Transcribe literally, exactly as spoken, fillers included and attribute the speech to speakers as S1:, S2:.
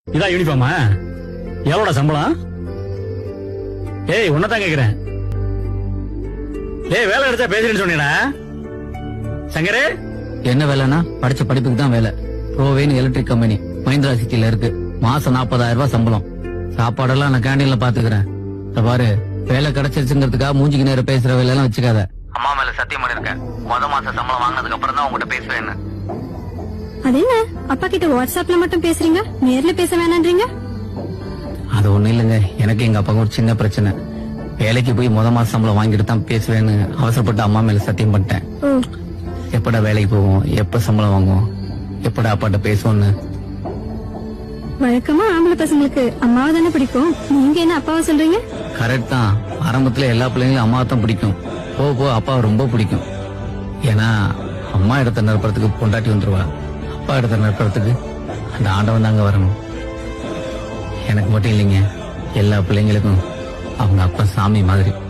S1: இதான் யூனிஃபார்மா? எவ்வளோட சம்பளம்? ஏய் உன்னதான் கேக்குறேன். ஏய் வேலை எடுத்தா பேசுறேன்னு சொன்னீடா சங்கரே.
S2: என்ன வேலைன்னா படிச்ச படிப்புக்கு தான் வேலை. ப்ரோவேன் எலக்ட்ரிக் கம்பெனி மஹிந்திரா சிட்டில இருக்கு. மாசம் நாற்பதாயிரம் ரூபாய் சம்பளம். சாப்பாடெல்லாம் நான் கேண்டீன்ல பாத்துக்கிறேன். பாரு வேலை கிடைச்சிருச்சுங்கிறதுக்காக மூஞ்சிக்கு நேரம் பேசுற வேலை எல்லாம் வச்சுக்காத. அம்மா மேல சத்தியம் பண்ணிருக்கேன். முத மாசம் சம்பளம் வாங்கினதுக்கு அப்புறம் தான் உங்ககிட்ட பேசுவேன்.
S3: அது என்ன அப்பா கிட்ட வாட்ஸ்அப்ல மட்டும் பேசுறீங்க, நேர்ல பேச வேணான்றீங்க?
S2: அது ஒண்ணு இல்லைங்க, எனக்கு எங்க அப்பாவுக்கு ஒரு சின்ன பிரச்சனை. வேலைக்கு போய் முத மாசம் சம்பளம் வாங்கிட்டு தான் பேசுவேன்னு அவசரப்பட்டு அம்மா மேல சத்தியம் பண்ணிட்டேன். எப்படா வேலைக்கு போவோம், எப்ப சம்பளம் வாங்குவோம், எப்படா அப்பாட்ட பேசுவோம்னு.
S3: வழக்கமா ஆம்பளை பசங்களுக்கு அம்மாவை தானே பிடிக்கும், நீங்க என்ன அப்பாவை சொல்றீங்க?
S2: கரெக்ட் தான். ஆரம்பத்துல எல்லா பிள்ளைங்களும் அம்மாவை தான் பிடிக்கும். போக போக அப்பாவை ரொம்ப பிடிக்கும். ஏன்னா அம்மா இடத்த நிரப்புறதுக்கு பொண்டாட்டி வந்துருவா, அப்பா இடத்த நிரப்புறதுக்கு அந்த ஆண்டவன் தாங்க வரணும். எனக்கு மட்டும் இல்லைங்க, எல்லா பிள்ளைங்களுக்கும் அவங்க அப்பா சாமி மாதிரி.